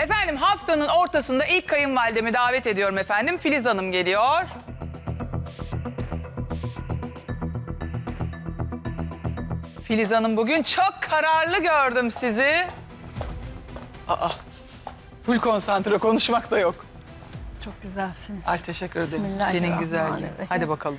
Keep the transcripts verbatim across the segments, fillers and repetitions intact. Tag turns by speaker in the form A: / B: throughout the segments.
A: Efendim haftanın ortasında ilk kayınvalidemi davet ediyorum efendim. Filiz Hanım geliyor. Filiz Hanım bugün çok kararlı gördüm sizi. Aa, full konsantre, konuşmak da yok.
B: Çok güzelsiniz.
A: Ay teşekkür ederim. Senin
B: Bismillahirrahmanirrahim.
A: güzelliğin. Hadi bakalım.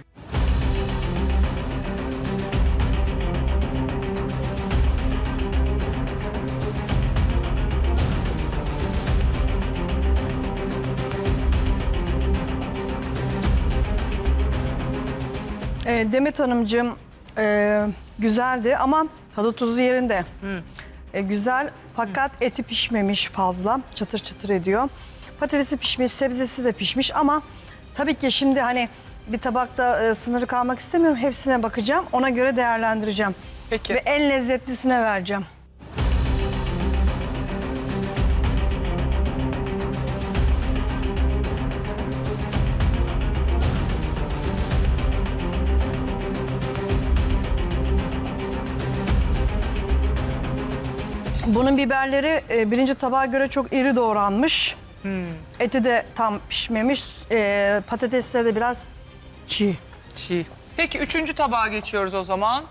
B: Ee, Demet Hanımcığım e, güzeldi ama tadı tuzu yerinde. E, güzel fakat eti pişmemiş fazla. Çıtır çıtır ediyor. Patatesi pişmiş, sebzesi de pişmiş ama tabii ki şimdi hani bir tabakta e, sınırı kalmak istemiyorum. Hepsine bakacağım. Ona göre değerlendireceğim.
A: Peki.
B: Ve en lezzetlisine vereceğim. Bunun biberleri e, birinci tabağa göre çok iri doğranmış. Eti de tam pişmemiş. E, patatesleri de biraz çiğ.
A: Çiğ. Peki üçüncü tabağa geçiyoruz o zaman.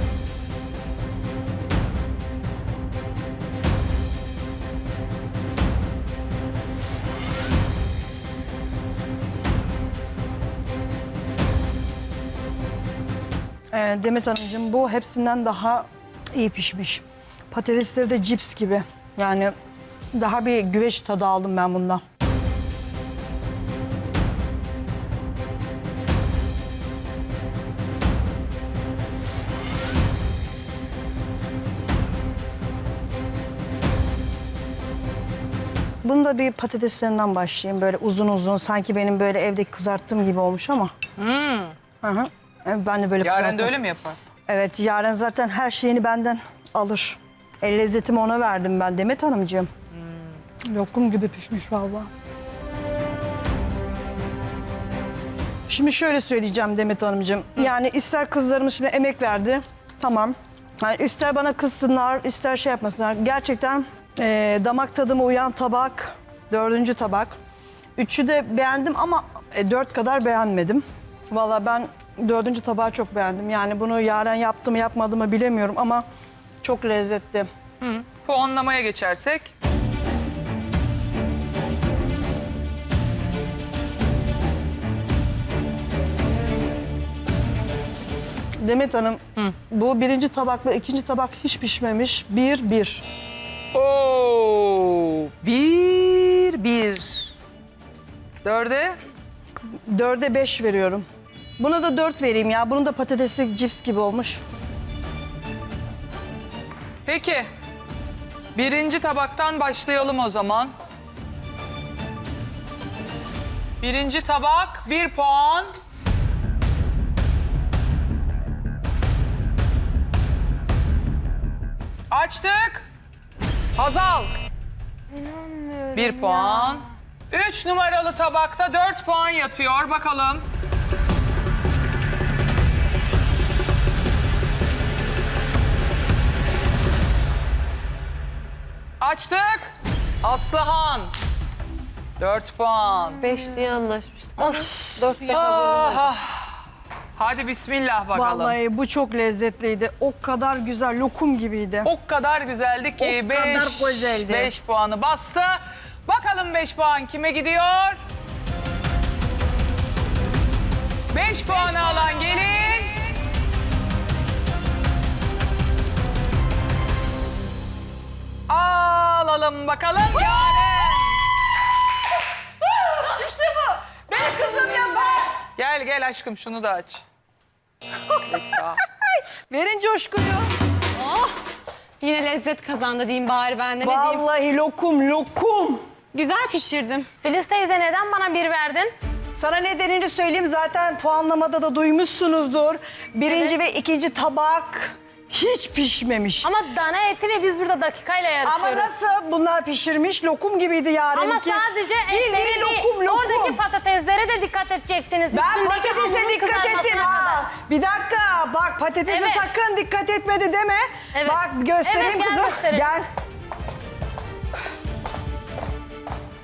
B: E, Demet Hanımcığım bu hepsinden daha iyi pişmiş. Patatesleri de cips gibi. Yani daha bir güveç tadı aldım ben bundan. Bunu da bir patateslerinden başlayayım. Böyle uzun uzun sanki benim böyle evde kızarttığım gibi olmuş ama.
A: Hmm.
B: Hı hı. Evet, ben de böyle
A: Yaren de
B: kızarttım.
A: öyle mi yapar?
B: Evet, Yaren zaten her şeyini benden alır. El lezzetimi ona verdim ben Demet Hanımcığım. Hmm. Lokum gibi pişmiş vallahi. Şimdi şöyle söyleyeceğim Demet Hanımcığım. Hı. Yani ister kızlarımız şimdi emek verdi. Tamam. Yani ister bana kızsınlar, ister şey yapmasınlar. Gerçekten e, damak tadıma uyan tabak, dördüncü tabak. Üçü de beğendim ama e, dört kadar beğenmedim. Vallahi ben dördüncü tabağı çok beğendim. Yani bunu Yaren yaptı mı yapmadı mı bilemiyorum ama çok lezzetli.
A: Hı. Puanlamaya geçersek.
B: Demet Hanım, Hı. bu birinci tabakla ikinci tabak hiç pişmemiş. Bir, bir.
A: Oo, bir, bir. Dörde?
B: Dörde beş veriyorum. Buna da dört vereyim ya. Bunun da patatesli cips gibi olmuş.
A: Peki. Birinci tabaktan başlayalım o zaman. Birinci tabak, bir puan. Açtık. Hazal.
C: İnanmıyorum
A: Bir
C: ya.
A: puan. Üç numaralı tabakta dört puan yatıyor. Bakalım. Açtık. Aslıhan. Dört puan.
D: Beş diye anlaşmıştık ama dörtte kabul
A: Ah,
D: edemedim.
A: ah. Hadi bismillah bakalım.
B: Vallahi bu çok lezzetliydi. O kadar güzel, lokum gibiydi.
A: O kadar güzeldi ki
B: O
A: beş,
B: kadar güzeldi.
A: beş puanı bastı. Bakalım beş puan kime gidiyor? Beş puanı alan gelin. Alalım bakalım. Yaren.
B: İşte bu. Benim kızım yapar.
A: Gel gel aşkım şunu da aç. Bekle.
B: Verin coşkuyu.
D: Yine lezzet kazandı diyeyim bari ben de ne diyeyim.
B: Vallahi lokum, lokum.
D: Güzel pişirdim.
C: Filiz teyze neden bana bir verdin?
B: Sana nedenini söyleyeyim, zaten puanlamada da duymuşsunuzdur. Birinci
C: Evet.
B: ve ikinci tabak hiç pişmemiş.
C: Ama dana eti ve biz burada dakikayla yarışıyoruz.
B: Ama nasıl bunlar pişirmiş? Lokum gibiydi Yaren'inki.
C: Ama sadece
B: Bildiğin
C: etleri değil,
B: lokum, lokum.
C: oradaki patateslere de dikkat edecektiniz.
B: Ben
C: Üstündeki
B: patatese
C: hamurun
B: dikkat
C: kızarmasına
B: ettim.
C: kadar.
B: Ha, bir dakika bak, patatese
C: Evet.
B: sakın dikkat etmedi deme.
C: Evet.
B: Bak göstereyim
C: Evet, gel
B: kızım.
C: gösterelim.
B: Gel.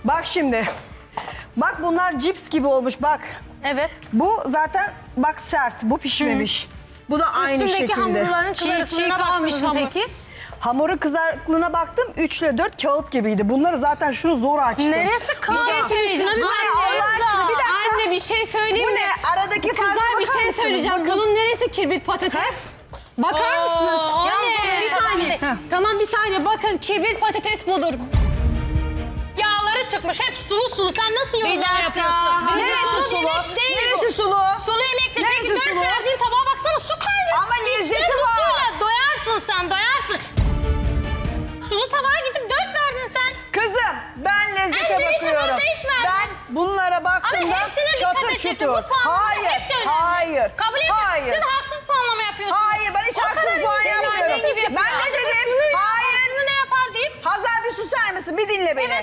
B: Bak şimdi. Bak bunlar cips gibi olmuş bak.
C: Evet.
B: Bu zaten bak sert. Bu pişmemiş. Bu da aynı
C: Üstündeki
B: şekilde.
C: hamurların
D: Çiğ- çiğ
C: kızarıklığına
D: kalmış
C: baktınız mı
D: hamur.
C: peki?
B: Hamurun kızarıklığına baktım. üç ile dört kağıt gibiydi. Bunları zaten şunu zor açtım.
C: Neresi
D: Bir
C: kalın?
D: şey söyleyeceğim.
C: Şuna bir
D: Anne,
C: baksanıza.
B: Allah aşkına bir dakika.
D: Anne bir şey söyleyeyim
B: Bu
D: mi?
B: ne? Aradaki farka
D: Kızlar bir
B: bakar
D: şey
B: mısınız?
D: söyleyeceğim.
B: Bakın.
D: Bunun neresi kirbit patates? Bakar mısınız?
C: anne.
D: Bir saniye.
B: Heh.
D: Tamam bir saniye bakın kirbit patates budur.
C: Yağları çıkmış hep sulu sulu. Sen nasıl
B: Bir
C: yorumlar
B: dakika.
C: yapıyorsun?
B: Neresi
C: Sulu
B: sulu?
C: yemek değil
B: Neresi
C: bu.
B: sulu?
C: Sulu yemekte.
B: Neresi
C: Peki dört
B: sulu?
C: verdiğin tabağa baksana su kaynıyor.
B: Ama lezzeti
C: İçine bu
B: var.
C: suyla doyarsın sen doyarsın. Sulu tabağa gidip dört verdin sen.
B: Kızım ben lezzete
C: Ay, lezzete
B: bakıyorum.
C: var, beş ver.
B: Ben bunlara baktığımda
C: Ama hepsine dikkat
B: çatır
C: edeceksin.
B: çutur.
C: Bu puanlama
B: Hayır,
C: hepsi önemli.
B: hayır,
C: Kabul ediyorum.
B: hayır.
C: Siz haksız puanlama yapıyorsunuz.
B: Hayır, ben hiç
C: O
B: haksız
C: kadar
B: puan
C: insan
B: yapmıyorum.
C: geldiği gibi
B: Ben
C: yapıyor.
B: ne dedim?
C: Şunu yapar,
B: Hayır.
C: şunu ne yapar deyip.
B: Hazal bir susar mısın? Bir dinle beni.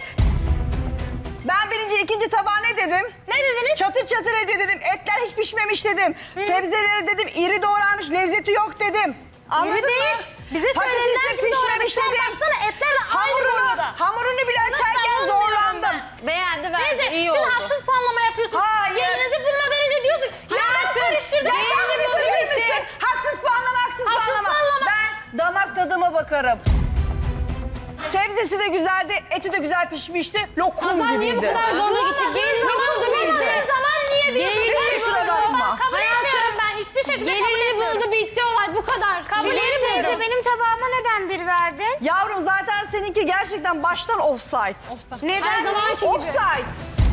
B: Ben birinci, ikinci tabağa ne dedim?
C: Ne dediniz?
B: Çatır çatır ediyor dedim. Etler hiç pişmemiş dedim. Sebzeleri dedim iri doğranmış, lezzeti yok dedim. Anladın
C: Yeri değil.
B: mı?
C: Bize
B: Patatesi
C: söylenilen gibi
B: pişmemiş
C: doğramışlar.
B: dedim.
C: Baksana etler de aynı
B: Hamurunu,
C: boyda.
B: hamurunu bile
C: Nasıl
B: açarken
C: anlamıyorum
B: zorlandım.
C: ben?
D: Beğendi
C: Neyse
D: verdi. İyi
C: siz
D: oldu.
C: haksız puanlama yapıyorsunuz.
B: Hayır.
C: Gelinizi bulmadan önce diyorsun. Ya
D: Hayatım,
C: karıştırdın.
B: Ya
D: Beğendi,
B: sen bir
D: buldu,
B: durur
D: bitti.
B: musun? Haksız puanlama, haksız,
C: Haksız
B: puanlama.
C: puanlama.
B: Ben damak tadıma bakarım. Sebzesi de güzeldi, eti de güzel pişmişti. Lokum
D: Hazal
B: gibiydi.
D: niye bu kadar zoruna gitti? Gelin buldu bitti.
C: Her zaman niye diyorsun?
D: Gelini
B: Hiç kusura bakma.
C: Kabul etmiyorum ben. Hiçbir şekilde kabul
D: Gelini
C: etmiyorum.
D: buldu bitti olay bu kadar.
C: Kabul
D: Gelini
C: etmiyorum.
D: buldu.
C: Benim tabağıma neden bir verdin?
B: Yavrum zaten seninki gerçekten baştan offside.
C: Neden?
D: Her zamanki gibi.
B: Offside.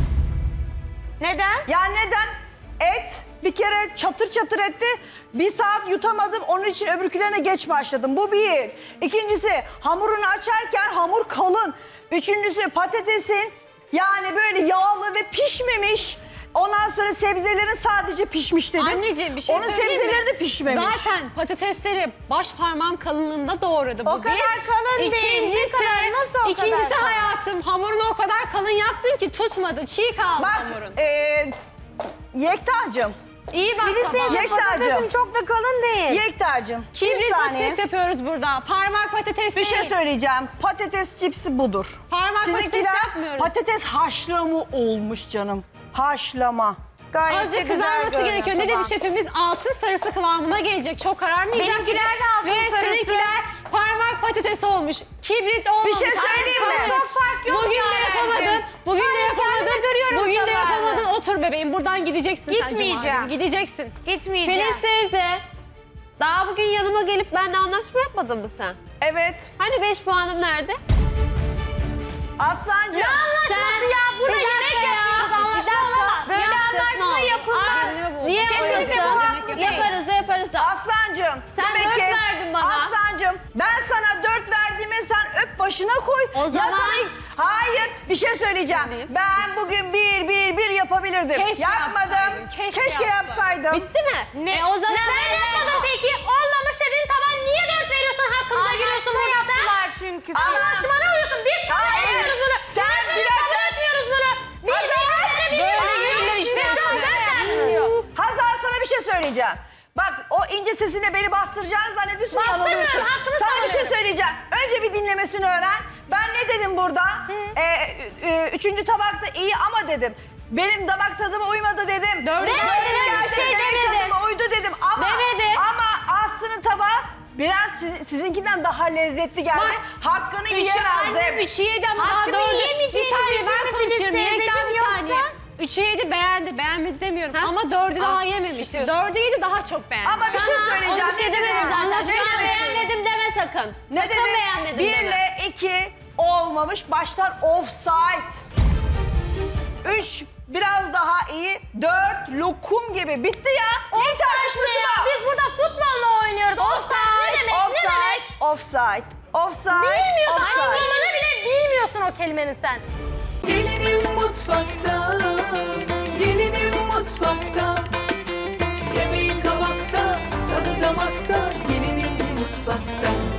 C: Neden?
B: Yani neden? Et bir kere çatır çatır etti. Bir saat yutamadım. Onun için öbürkülerine geç başladım. Bu bir. İkincisi hamurunu açarken hamur kalın. Üçüncüsü patatesin yani böyle yağlı ve pişmemiş. Ondan sonra sebzelerin sadece pişmiş dedim.
D: Anneciğim bir şey
B: Onun
D: söyleyeyim mi?
B: sebzeleri de pişmemiş.
D: Zaten patatesleri baş parmağım kalınlığında doğradı bu
C: O kadar
D: bir.
C: kalın değil.
D: İkincisi,
C: Ne kadar, nasıl o kadar
D: ikincisi
C: kalın?
D: hayatım hamurunu o kadar kalın yaptın ki tutmadı. Çiğ kaldı
B: Bak
D: hamurun.
B: e, Yektacığım.
D: İyi bak tabağa.
B: Yektacığım.
C: çok da kalın değil.
B: Yektacığım. bir
D: Kibrit
B: saniye.
D: patates yapıyoruz burada. Parmak patates
B: Bir şey
D: değil.
B: söyleyeceğim. Patates cipsi budur.
D: Parmak patates yapmıyoruz.
B: patates haşlama olmuş canım. Haşlama.
C: Gayet
D: Azıcık kızarması gerekiyor. Ne dedi şefimiz? Altın sarısı kıvamına gelecek. Çok kararmayacak.
C: Benimkiler de altın
D: Ve
C: sarısı.
D: seninkiler parmak patates olmuş. Kibrit olmamış.
B: Bir şey söyleyeyim mi?
D: Çok fark yok Bugün de yapamadın. Bugün de yapamadın.
C: görüyorum
D: Bugün de
C: tabağını.
D: yapamadın. Otur bebeğim. Buradan gideceksin sen Cuma
C: Gitmeyeceğim.
D: günü. Gideceksin.
C: Gitmeyeceğim.
E: Filiz teyze, daha bugün yanıma gelip benimle anlaşma yapmadın mı sen?
B: Evet.
E: Hani beş puanım nerede?
B: Aslancığım.
C: Anlaşması ya. Burada
E: bir dakika
C: yemek
E: ya,
C: yapıyoruz.
E: bir dakika.
C: Böyle
E: Yaptık, ne
C: anlaşma
E: oldu?
C: yapılmaz.
E: Niye
C: Kesinlikle bu
E: olmasın?
C: hakkı değil.
E: Yaparız da yaparız da.
B: Aslancığım.
E: Sen
B: demek
E: dört
B: ki-
E: verdin bana.
B: Aslancığım ben sana dört verdiğime sen öp başına koy.
E: O
B: Ya
E: zaman-
B: sana- Hayır bir şey söyleyeceğim.
E: Değil.
B: Ben bugün bir bir bir yapabilirdim.
D: Keşke
B: Yapmadım.
D: yapsaydın, keşke
B: yapsaydım.
E: Bitti mi?
C: Ne?
E: E o zaman
C: Neden
E: benden...
C: yapmadın peki? Olmamış dediğin taban niye dört veriyorsun? Hakkımıza giriyorsun burada sen. çünkü.
B: Ama-
C: Anlaşma ne oluyorsun? Biz kabul
B: Hayır.
C: etmiyoruz bunu.
B: Sen
C: Biz
B: bir
C: kabul
B: dakika.
C: etmiyoruz bunu. Biz
B: Hazal.
D: Böyle yürürler işte üstüne.
B: Hazal sana bir şey söyleyeceğim. Bak o ince sesine beni bastıracağını zannediyorsun
C: Bastırmıyorum,
B: yanılıyorsun.
C: hakkını
B: Sana bir şey
C: savunuyorum.
B: söyleyeceğim. Önce bir dinlemesini öğren. Ben ne dedim burada? Ee, e, üçüncü tabakta iyi ama dedim. Benim damak tadıma uymadı dedim.
D: Dördü
B: Benim
E: demedin, öyle bir
B: geldi,
E: şey
B: damak
E: demedin.
B: tadıma uydu dedim. Ama,
E: Demedi.
B: ama Aslı'nın tabağı biraz siz- sizinkinden daha lezzetli geldi.
D: Bak,
B: Hakkını
D: Üçü
B: yiyemezdim.
D: annem, üçü yedi ama daha
C: Hakkını
D: dördü. Bir
C: yiyemeyeceğiniz
D: saniye
C: için
D: ben
C: mi
D: konuşuyorum.
C: Filiz
D: Yekten bir
C: teyzeciğim
D: saniye.
C: yoksa?
D: Üçü yedi beğendi. Beğenmedi demiyorum. Ama dördü daha yememişti. Dördü yedi daha çok beğendi.
B: Ama bir şey
E: Tamam,
B: söyleyeceğim.
E: onu bir şey
B: Ne
E: demedim
B: dedim?
E: zaten.
B: Ne
E: Şu an
B: dedim?
E: beğenmedim deme sakın.
B: Ne
E: sakın
B: dedim?
E: beğenmedim
B: Bir
E: deme.
B: ile iki olmamış. Baştan offside. Üç biraz daha iyi. Dört lokum gibi. Bitti ya. Neyi tartışması
C: Ya,
B: var?
C: biz burada futbolla oynuyoruz. Offside ne demek? Ne
B: Offside.
C: demek?
B: Offside. Offside.
C: Bilmiyorsun.
B: Offside.
C: Anlamını bile bilmiyorsun o kelimenin sen.
F: Gelinim mutfakta, gelinim mutfakta. Yemeği tabakta, tadı damakta. Gelinim mutfakta.